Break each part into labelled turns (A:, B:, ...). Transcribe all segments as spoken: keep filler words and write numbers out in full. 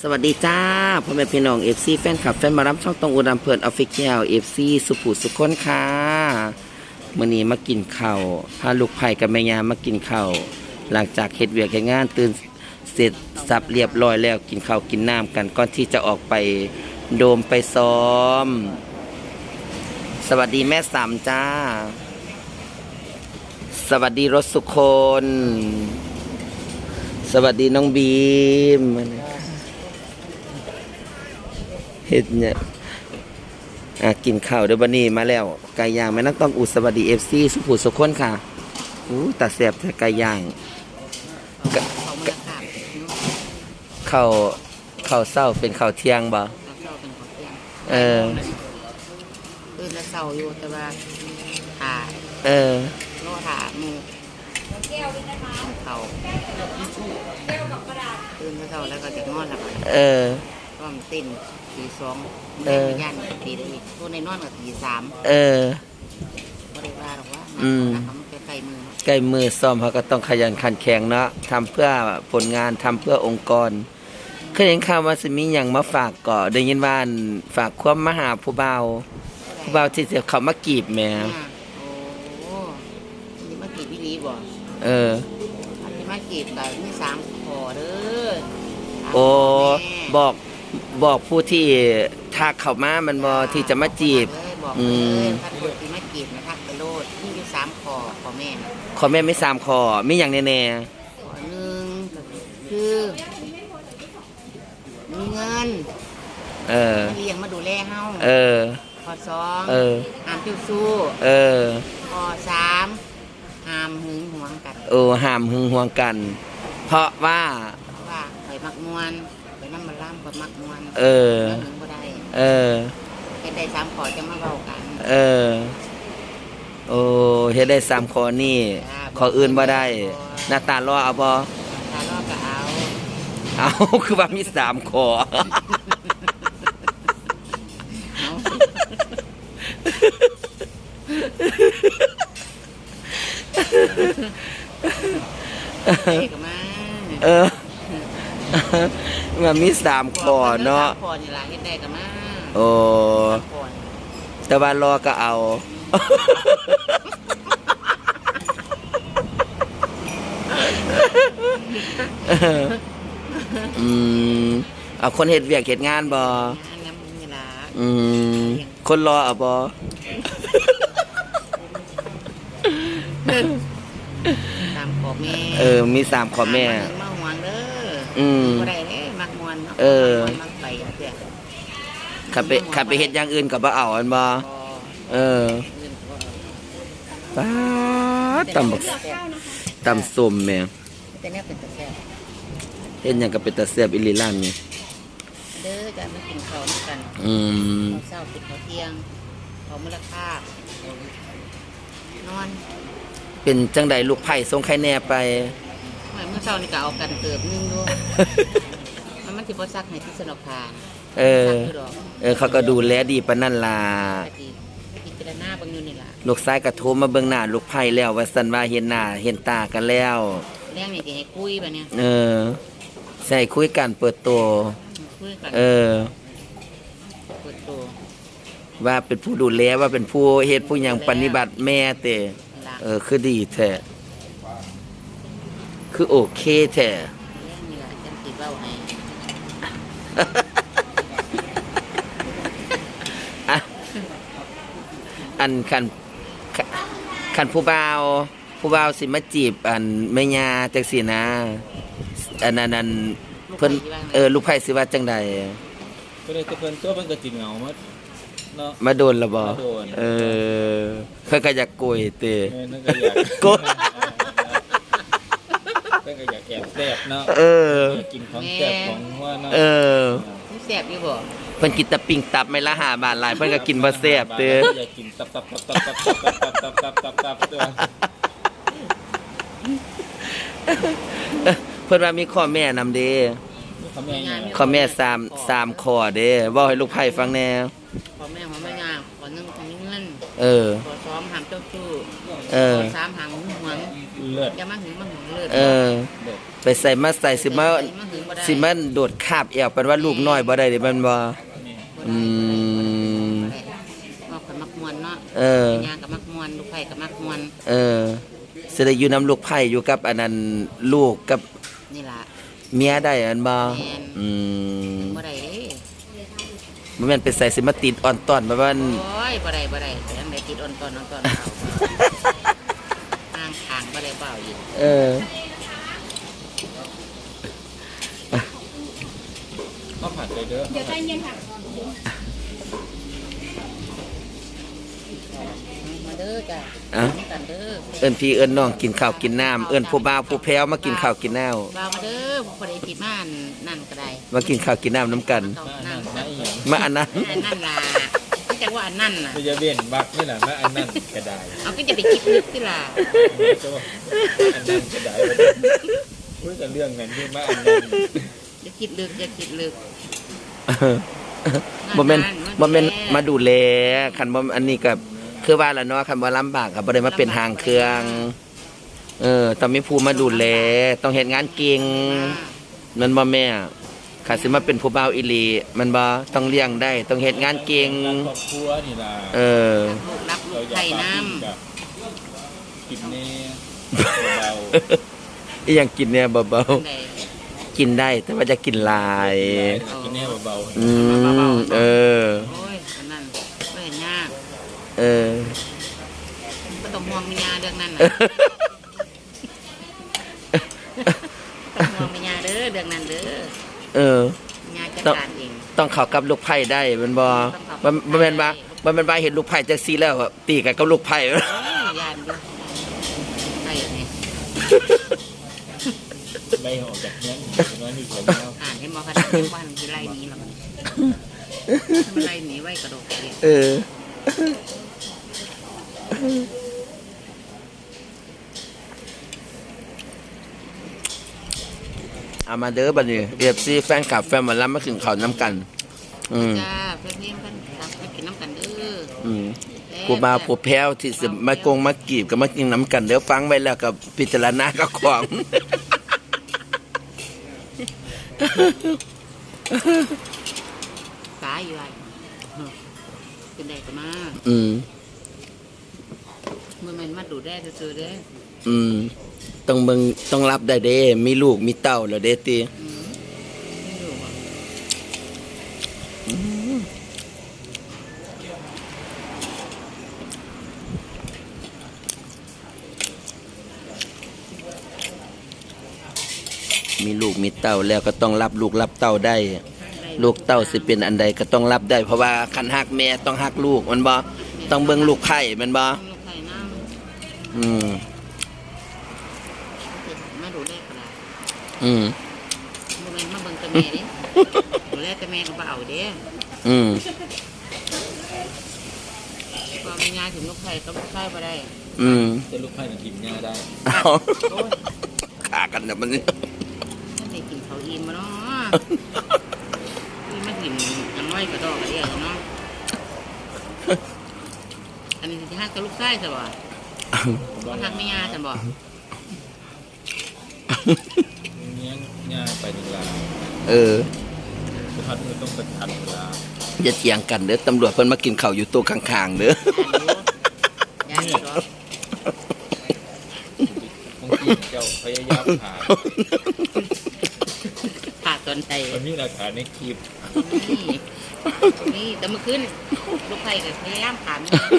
A: สวัสดีจ้าพ่อแม่พี่น้องเอฟซีแฟนคลับแฟนมารับช่องตองอุดมเพิร์นออฟฟิเชียลเอฟซีสุภูสุคนค่ะมื่อนี้มากินข้าวพาลูกไผ่กับแม่ยามากินข้าวหลังจากเฮ็ดเวียกเฮ็ดงานตื่นเสร็จสับเรียบร้อยแล้วกินข้าวกินน้ำกันก่อนที่จะออกไปโดมไปซ้อมสวัสดีแม่สามจ้าสวัสดีรถสุคนสวัสดีน้องบีมเฮ็ดเนี่ยอ่ะกินข้าวเดี๋ยวบันนี้มาแล้วไก่ย่างแม่นักต้องอุสวัสดีเอฟซีสุภูสุคนค่ะอู้ตาแสบแต่ไก่ย่างข้าวข้าวเศร้าเป็นข้าวเที่ยงบ่เออ
B: ตื่นแล้วเศร้าอยู่แต่ว่าถ่า
A: เออ
B: โน่ถ่ามูเขาตื่นแล้วเศร้าแล้วก็จะนอนหลับ
A: เออ
B: ก็มันติ่นตีสองแม่ย่านตีได้อีกตัวในนอนกับตีสาม
A: เออ
B: ไม่ได้ว่าหรอกว่า
A: อืม
B: มันใกล้มือ
A: ใกล้มือซ้อมเขาก็ต้องขยันขันแข็งเนาะทำเพื่อผลงานทำเพื่อองค์กรเคยเห็นข่าวว่าสิมีอย่างมาฝากก่อได้ยินว่าฝากความมาหาผู้เบาผู้เบาที่เขามากีบแม่
B: โอ้นี่มากีบพี่ลีบ่
A: เออ
B: ที่มากีบแต่มีสามขอเด้อ
A: โอ้บอกบอกผู้ที่ทักเข้ามามันบ่ที่จะมาจีบ
B: อืมถ้าคนที่มาจีบนะทักไปโลดนี่อยู่สามขอขอแม่
A: ขอแม่ไม่สามขอมีอย่างแน่
B: ๆขอหนึ่งคือมีเงิน
A: เออ
B: เลี้ยงมาดูแลเฮา
A: เออ
B: ขอสอง
A: เออ
B: ห้ามจิ้วสู้
A: เออ
B: ขอสามห้ามหึงหวงกัน
A: เออห้ามหึงหวงกันเพราะว่า
B: ว่าเคยมักมวนไปน้ำมันล่ำกับมักมวน
A: เออ
B: หึงบ่ได้
A: เออ
B: เฮ็ดได้สามขอจะมาเบากัน
A: เออโอ้เฮ็ดได้สามขอนี่ขออื่นบ่ได้หน้าตาล้อเอาบ่
B: ตาล้อก็เอา
A: เอาคือว่ามีสามขอเออมันมีสามขอเนาะ
B: ขอนี่ล่ะเฮ็ดได้ก็มา
A: โอ้แต่ว่ารอก็เอาอืมเอาคนเฮ็ดเวียกเฮ็ดงานบ่อืมคนรอเอาบ่
B: สามขอแม่
A: เออมีสามขอแม่
B: มาหวงเด้อ
A: อืม
B: บ่ได้เด้มักมวนเนาะ
A: เออ
B: มักไปเด้อ
A: ขับไปขับไปเฮ็ดอย่างอื่นก็บ่เอาอันบ่เออป๊าดตำบักตำส้มแม่
B: แต่เนี่ยเป็นตะแซ่บ
A: เฮ็ดหยังก็เป็นตะแซ่บอีหลีร้านนี้
B: เด้อจะมากินข้าวด้วยกัน
A: อืม
B: ข้าวเช้ากินข้าวเที่ยงข้าวมื้อละคาบนอน
A: เป็นจังใดลูกไผ่ส่งไข่แน่ไป
B: เมื่อเช้านี่ก็เอากันเติบนึงด้วยมันมันสิบ่ซักให้ที่สนอกพาน
A: เออเออเขาก็ดูแลดีปานนั้นล่ะ
B: พิจารณาเบิ่งอยู่นี่ล่ะ
A: ลูกชายก็โทรมาเบิ่งหน้าลูกไผ่แล้วว่าซั่นว่าเห็นหน้าเห็นตากันแล้ว
B: แรงนี่สิให้คุยบัดเนี่ย
A: เออใส่คุยกันเปิดตัว
B: คุยกัน
A: เออ
B: เปิดตัว
A: ว่าเป็นผู้ดูแลว่าเป็นผู้เฮ็ดผู้หยังปฏิบัติแม่เต้เออคือดีแท้คือโอเคแท้
B: นี่ล่ะจังสิเว้าให้
A: อันคันคันผู้บ่าวผู้บ่าวสิมาจีบอันแม่ย่าจังซี่นะอันนั้นเพิ่นเออลูกไผ่สิว่าจังใด
C: ก็เลยเพิ่นตัวเพิ่นก็สิเหงามาเนาะ
A: มาโดนละบ่เออเพิ่นก็อยากโกยเต้
C: เพิ่นก็อยาก
A: โกย
C: เพิ่นก็อยากแอบแซ่บเนาะ
A: เออ
C: กินของแซ่บของหัวเนาะ
A: เออ
B: แซ่บอยู่บ่
A: เพิ่นกินแต่ปิ้งตับไม่ละห้าบาทหลายเพิ่นก็กินบ่แซ่บเด้อ
C: อยากกินตับตับตับตับตับตับตับตับตับตับตัว
A: เพิ่นว่ามีข้อแม่นำเด้ข้อแม่สาม สามข้อเด้เว้าให้ลูกไผ่ฟังแน่
B: ข้อแม่ของแม่ย่าข้อหนึ่งของเงิน
A: เออ
B: ข้อสองห้ามเจ้าชู้
A: เออ
B: ข้อสามห้ามหึงหวง
C: เลิศ
B: อย่ามาหึงมาหวงเลลิศ
A: เออ
C: เด็ด
A: ไปใส่มาใส่สิมา
B: ใส่มาหึงบ่ได้
A: สิมันโดดคาบแอวเป็นว่าลูกน้อยบ่ได้เด้มันบ่
C: นี่
A: อืม
B: บ่คนมักมวนเนาะ
A: เออ
B: ยางกับมักมวนลูกไผ่กับมักมวน
A: เออสิได้อยู่นำลูกไผ่อยู่กับอันนั้นลูกกับ
B: นี่ล่ะ
A: เมียได้อันบ่
B: แม่น
A: อืม
B: บ่ได้เด้
A: บ่แม่นไปใส่สิมาติดอ่อนต้อนแบบว่า
B: โอ้ยบ่ได้บ่ได้ยังได้ติดอ่อนตอนอ่อนตอนเอาห่างทางบ่ได้เบาอีก
A: เออ
C: ข้าวผัดเลยเด้อ
D: เดี๋ยวใจเย็นค่ะ
B: มาเด้อจ้ะ
A: อ่ะ
B: มากันเด้อ
A: เอิ้นพี่เอิ้นน้องกินข้าวกินน้ำเอิ้นผู้บ่าวผู้แพ้วมากินข้าวกินน้ำ
B: บ่าวมาเด้อบ่ได้ติดม่านนั่นก็ได้
A: มากินข้าวกินน้ำน้ำกัน
B: ต้อง
C: มา
B: นั่
C: นั่
B: น
C: นมาอีหยัง
A: มาอันนั้น
B: อันนั่นล่ะไม่ใช่ว่าอันนั่นน่ะ
C: ไปจะเวียนบักนี่น่ะมาอันนั้นกระได
B: เอาก็จะไปคิดลึกสิล่ะ
C: จะว่าอันนั้นกระไดพูดแต่เรื่องนั้นที่มาอันนั้น
B: อย่าคิดลึกอย่าคิดลึก
A: บ่แม่น
B: งาน
A: บ่แม่น
B: งาน
A: มาดูแลคันบ่อันนี้ก็คือว่าล่ะเนาะคันบ่ลำบากก็บ่ได้มาเป็นหางเครื่อง เออต้องมีผู้มาดูแลต้องเฮ็ดงานเก่งมันบ่แม่ข้าสิมาเป็นผู้บ่าวอีหลีมันบ่ต้องเลี้ยงได้ ต้องเฮ็ดงานเก่ง
C: รักครอบครัวนี่ล่ะ
A: เออ
B: ลูกรับลู
C: เรา
B: ก
C: อยา
B: ไข่
C: ก
B: น้
C: แบบกินแน่เบา
A: อีหยังกินเนี่ยเบา
B: ำได้
A: ๆกินได้แต่ว่าจะกินหลาย
C: กินแน่เบา
A: อืมเออ
B: โอ้ยอันนั้นไม่เห็นยาก
A: เออ
B: ก็ต้องห่วงมียาเรื่องนั้นน่ะต้องห่วงมียาเด้อเรื่องนั้นเด้อ
A: เออ
B: มียาจัดการเอง
A: ต้องเข้ากับลูกไผ่ได้แมันบ่บ่บ่แม่นว่าบ่แม่นว่าเห็นลูกไผ่จังซี่แล้วตีกันกับลูกไผ่
B: โอ้ยยานอยู่ไอ้นี่
C: ๆไล่ออกจากเนี้ยน้อยนี่เสียแล้ว
B: อ่านให้หมอคะแนนว่ามันคือไล่หนี้หรอกมันไล่หนีไว้กระโดดเรียน
A: เออ เอามาเด้อบัดนี้ เอฟ ซี แฟนคลับแฟนหมอลำมาถึงเขาน้ำกัน อืม
B: จ้าเพื่อนเพื่อนเพื่อนรักไปกินน้ำกันเด้อ
A: อืมผู้บ่าวผู้แพ้วที่สิมากงมากีบก็มากินน้ำกันเดี๋ยวฟังไว้แล้วก็พิจารณาก็ของ
B: สายอยู่ไรเป็นแดกกันมา
A: อืม
B: เมื่อมันมาดูแด้ซื่อๆเด้อ
A: อืม ต้องเบิ่งต้องรับได้เด้ มีลูกมีเต้าแล้วเด้ติ
B: อืมไม่รู้อ่ะ
A: มีลูกมีเต้าแล้วก็ต้องรับลูกรับเต้าได้ ลูกเต้าสิเป็นอันใดก็ต้องรับได้ เพราะว่าคันฮักแม่ต้องฮักลูกมันบ่ต้องเบิ่งลูกไผ่มันบ่
B: ต้องลูกไข่น้
A: อืม
B: ำมาดูแลก็ได้
A: อืม
B: โมเมนต์มาเบิ่งแต่แม่เด้ดูแลแต่แม่ก็บ่เอาเด้
A: อืม
B: พอมีงานถึงลูกไข่ก็ลูกไข่บ่ได้
A: อืม
C: จะลูกไผ่กินง่ายได้
A: เอา
B: โอ้ย
A: ขากันน่ะมันนี่
B: มันได้กินข้าวอิ่มมาเนาะนี่มากินอันน้อยกระดอกกระเดียเนาะอันนี้ที่ฮักกับลูกไข่ใช่บ่บ่ฮักไม่ยาใช่บ่
C: เนี้ยง่ายไปดีกว่า
A: เออ
C: ทันมันต้องเป็นทันเวลา
A: อย่าเถียงกันเด้อตำรวจเพิ่นมากินข้าวอยู่โต๊ะข้างๆเด้อ
B: ยานอยู่ยานอยู่เหรอบ
C: างทีเจ้าพยายามหา
B: ขาดตนใจ
C: มันมีหลักฐานในคลิป
B: นี่นี่แต่เมื่อคืนลูกไข่กับพยายามถาม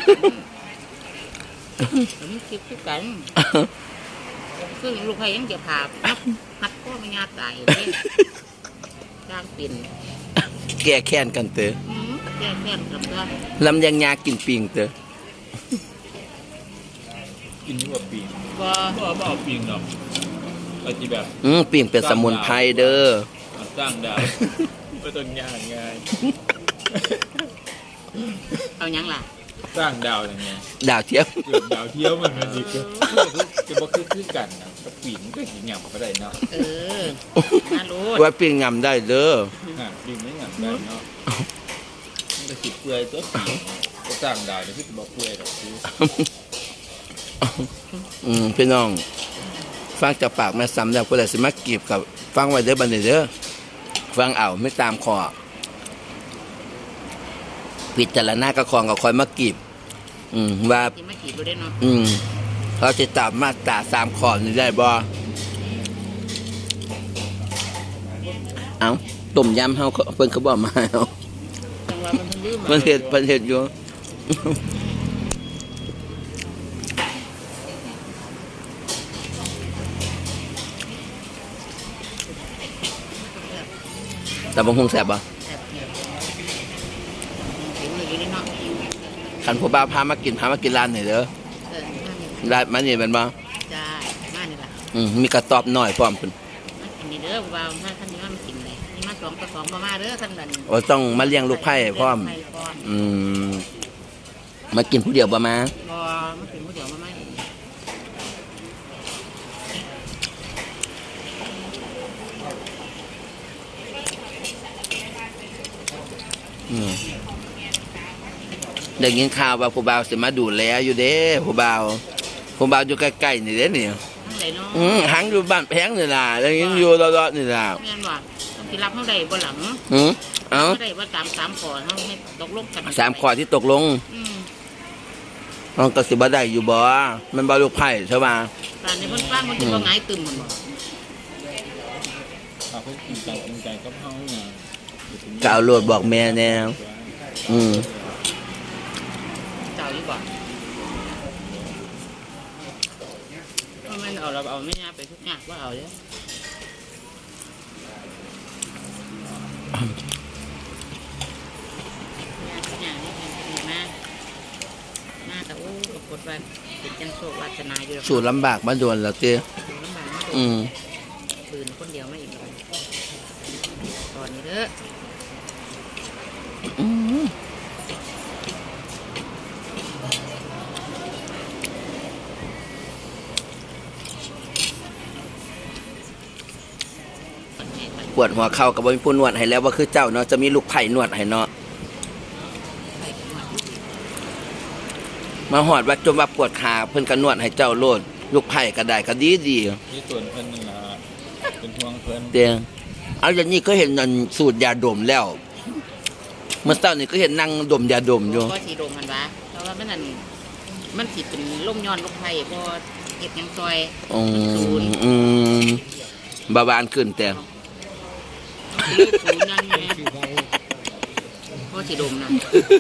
B: ผมคิดคือกันคือลูกไข่ยังจะผ่าหัดพ่อไม่ยาตายเลยจ้างปิ่น
A: แก้แค้นกันเด้อ
B: อืมแก่แค่กับตัว
A: ลำยังยากินปิงเด้อ
C: กินนี่ว่าปีน
B: บ่
C: ก็บ่เอาปีนหรอกปฏิแบบ
A: อืมปิงเป็นสมุนไพรเด้อ
C: สร้างดาวไม่ต้องยากง่าย
B: เอายังล่ะ
C: สร้างดาวยังไง
A: ดาวเทียม
C: เกิดดาวเที่ยวมันมันดีก็จะบอกคือคือกันนะกับปีนก็หินหยำก็ได้เนาะ
B: เออน่ารู้
A: ไว้ปิงงำได้เด้อ
C: อ่ะปีนไม่หยำได้เนาะมันก็สิเปื่อยตัวปีนก็สร้างดาวเนี่ยคือบอกเปื่อยดอกคือ
A: อืมพี่น้องฟังจากปากแม่ซ้ำแล้วผู้ใดสิมากีบกับฟังไว้เด้อบัดนี้เด้อฟังเอาไม่ตามคอพิจารณากระคองก็คอยมากีบอืมว่า
B: ที่มาขี่ดูได้เนาะ
A: อืมเขาจะตามมาตราสามขอนี่ได้บ่เอาต้มยำเฮาเขาเพิ่นเขาบอกมาเอา
B: จังหวะมันเพิ่งลืม
A: เพิ่นเฮ็ดเพิ่นเฮ็ดอยู่แต่บ่คงแซ่บบ่
B: ถึงอยู่ได้เนาะ
A: คันผู้บ่าวพามากินพามากินร้านนี่เด้อ
B: เออมานี่
A: ร้านมันนี่แม่นบ่
B: จ้ามานี่ล่ะ
A: อืมมีกระตอบน้อยพร้อมพุ่น
B: มากินนี่เด้อบ่าวถ้าท่านนี้มามากินเลยนี่มาสองต่อสองบ่มาเด้อท่านนั้น
A: ว่าต้องมาเลี้ยงลูกไผ่พร้อม
B: ไผ่พร้อม
A: อืมมากินผู้เดียวบ่มา
B: บ่มากินผู้เดียวมาไหม
A: อืมได้ยินข่าวว่าผู้บ่าวสิมาดูแลอยู่เด้ผู้บ่าวผู้บ่าวอยู่ใกล้ๆนี่เด้นี่
B: ทั้งใดเนาะ
A: อืมหังอยู่บ้านแพงนี่ล่ะได้ยินอยู่รอๆนี่ล่ะ
B: แม่นว่าต้องสิรับเฮาได้บ่หลัง
A: อืมเอ้า
B: เฮาได้บ่ตามสามข้อเฮาให้ตกลงกัน
A: สามข้อที่ตกลง
B: อืม
A: มันก็สิบ่ได้อยู่บ่มันบ่ลูกไผ่ใช่ป่ะ
B: ตอนนี้เพิ่นฟังมันสิบ่หงายตึมมันบ่
C: เอาเขากินใจกินใจกับเขาเนี่ย
A: กเอาโลดบอกแม่แนวอืม
B: เจ้าอยู่บ่เอาแม่นเอาเราเอาไม่น่าไปทุกอย่างว่าเอาเด้ออย่างนี้เป็นมามาแต่โอ้ปรากฏว่าเป็นจังโชควาสนาอยู่แล้ว
A: สู้ลำบากมาโดนแล้วติ
B: ลำบากมาก
A: อืม
B: ปืนคนเดียวไม่อีกเลยตอนนี้เด้อ
A: อืมปวดหัวเข่ากับบ่มีผู้นวดให้แล้วว่าคือเจ้าเนาะจะมีลูกไผ่นวดให้เนาะมาหอดว่าจมว่าปวดขาเพิ่นก็นวดให้เจ้าโลดลูกไผ่ก็ได้ก็ดีดี
C: นี่ส่วนเพิ่นนั่นล่ะเป็นห่วงเพิ่น
A: เตียงเอาอย่างนี้ก็เห็นนั่นสูตรยาดมแล้วเมื่อเช้านี่ก็เห็นนั่งดมยาดมอยู่
B: ก็สีโดมกันวะเพราะว่ามันนั่นมันสิเป็นล่มย้อนลมไผ่พอเห็ดหยังซอย
A: อืมอืมบาบานขึ้นแต่
B: เลือดศูนย์นั่นไงพอสีโดมนะ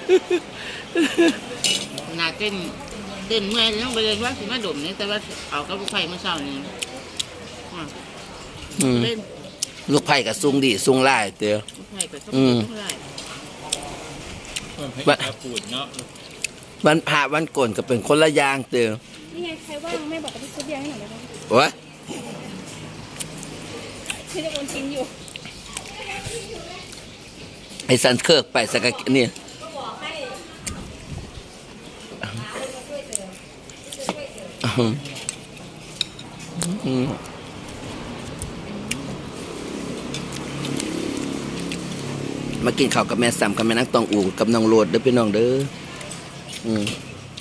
B: นาเต้นเต้นเมื่อยต้องไปเลยว่าสิมาดมนี่แต่ว่าเอากับลูกไผ่เมื่อเช้านี่อ่ะ
A: อืม
B: เล่น
A: ลูกไผ่กับซุงดีซุงไล่เตีย
B: ลูกไผ่ไปต้อง
A: อืม
B: ต้องได้
C: เพิ่นให้
A: ว่า
C: ตาปูดเนาะ
A: วันพระวันก่นก็เป็นคนละอย่างเตีย
D: นี่ไงใครว่างแม่บอกกับพี่ซุปเบียร์ให้หน่อยได้ไหม
A: โอ้ย
D: พี่จะโอนทิ้งอยู่
A: ไอ้สันเคิร์กไปสักกะนี่อืมอืมมากินข้าวกับแม่สามกับแม่นักตองอูกับน้องโรดเด้อพี่น้องเด้ออืม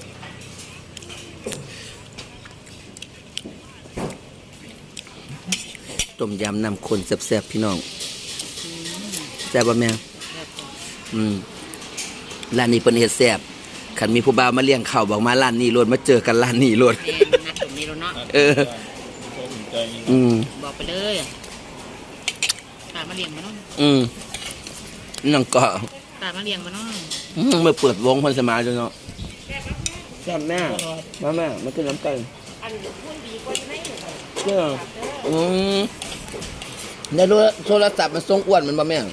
A: ต้มยำน้ำข้นแซ่บๆพี่น้องแซ่บป่ะแม่อืมร้านนี้เป็นเฮ็ดแซ่บคันมีผู้บ่าวมาเลี้ยงข้าวบอกมาร้านนี้โลดมาเจอกันร้านนี้โลด
B: แม่นัดตรงนี้แล้วเนาะ
A: เออ
C: ก็อุ่นใจนี่
A: อืม
B: บอกไปเลยตามาเลี้ยงมาเนาะ
A: อืมน้องก็
B: ตามาเลี้ยงมาเนาะ
A: อืมมาเปิดวงคนสมาจ้ะเนาะแซ่บแม่มาแม่มากินน้ำกันอันพูดดีกว่าไม่เจ้าอืมในโทรศัพท์มันทรงอ้วนมันบ่แม่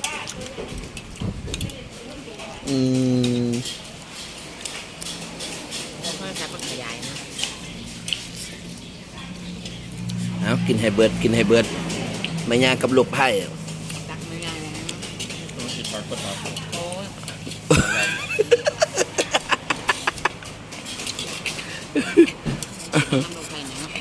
A: อืม
B: แล้วก็จะมาขยายนะ
A: เอากินให้เบิดกินให้เบิดไม่ยากกับลูกไผ่
B: ตักไม่ยายเลยนะ
C: ต้องสิปักก็ตัก
B: โอ้ยน้ำลงไปเนาะ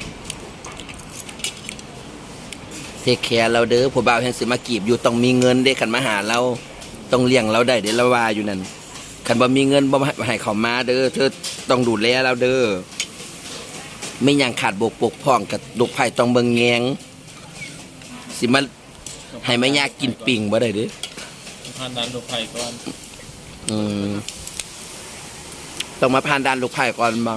A: เทคแคร์เราเด้อผู้บ่าวแห่งสิมากีบอยู่ต้องมีเงินเด้คันมาหาเราต้องเลี้ยงเราได้เด้ละว่าอยู่นั่นคันบ่มีเงินบ่ให้เขามาเด้อเธอต้องดูแลเราเด้อไม่หยังขาดบกปกพร่องกับลูกไผ่ต้องเบิ่งแยงสิมาให้แม่ยากินปิ่งบ่ได้เด้อ
C: ผ่านนั้นลูกไผ่ก่อน
A: อืมต้องมาผ่านด่านลูกไผ่ก่อนบ่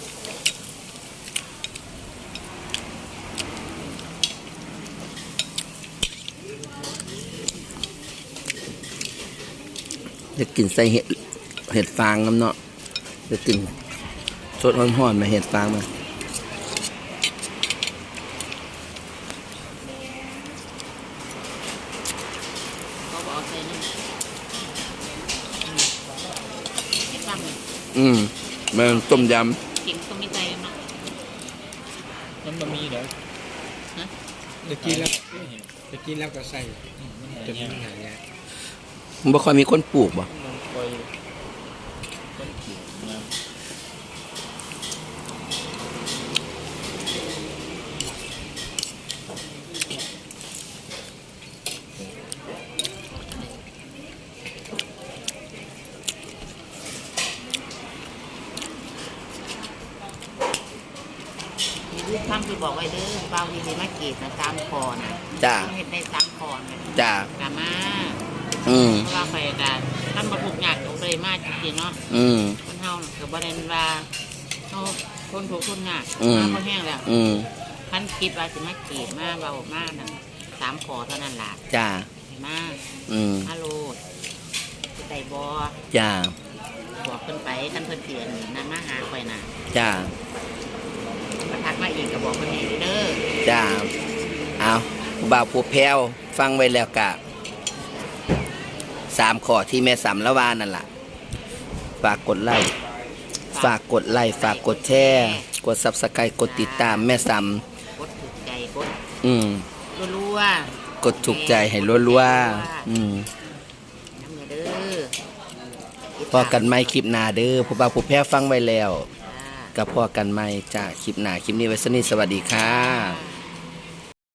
A: จะกินใส่เห็ดเห็ดฟางน้ำเนาะจะกินสดร้อนๆมาเห็ดฟางมา
B: เขาบอกใส่นี่ให้ฟังเลย
A: อืมมันต้มย
B: กินก็ไม่ใจนะ
C: มันบะหมี่เด้อ
B: ฮะ
E: ตะกี้แล้วตะกี้แล้วก็ใส่จน
C: จะ
E: มันหายาก
A: ำมันบ่ค่อยมีคนปลูกบ่
C: มันคอยต้นปลูกนะ
B: ลูกทำคือบอกไว้เด้อเบาดีๆมาเกตนะตามคอนะ
A: จ้า
B: เห็ดได้ตามคอนะ
A: จ้าก
B: ามา
A: อืม
B: เพราะว่าไปกันท่านบรรทุกหนักลงไปมากจริงๆเนาะ
A: อืม
B: คนเฮาน่ะคือประเด็นว่าเขาคนถูกคนหนัก
A: อืม
B: มาเขาแห้งแล้ว
A: อืม
B: พันคิดว่าจะมาเกตมาเบามากนั่นสามคอเท่านั้นล่ะ
A: จ้า
B: มา
A: อืม
B: ฮัลโหลไต่บอ
A: จ้า
B: บอกเพิ่นไปท่านเพิ่นเตือนนั่นมาหาข่อยน่ะ
A: จ้า
B: มาทักมาอีกก็บอกเพิ่นให้เด้อ
A: จ้าเอาผู้บ่าวผู้แพ้วฟังไว้แล้วกะสามข้อที่แม่สามละวานั่นล่ะ ฝากกดไลค์ฝากกดไลค์ฝากกดแชร์กดซับสไครต์กดติดตามแม่สาม
B: กดถูกใจกด
A: อืม
B: รัว
A: กดถูกใจให้รัวๆอืม
B: ๆน้ำเงินเด้อ
A: พอกันไม่คลิปหน้าเด้อผู้บ่าวผู้แพ้วฟังไว้แล้ว
B: จ้า
A: กับพอกันไม่จ้าคลิปหน้าคลิปนี้ไว้สนิทสวัสดีค่ะ
B: จ้า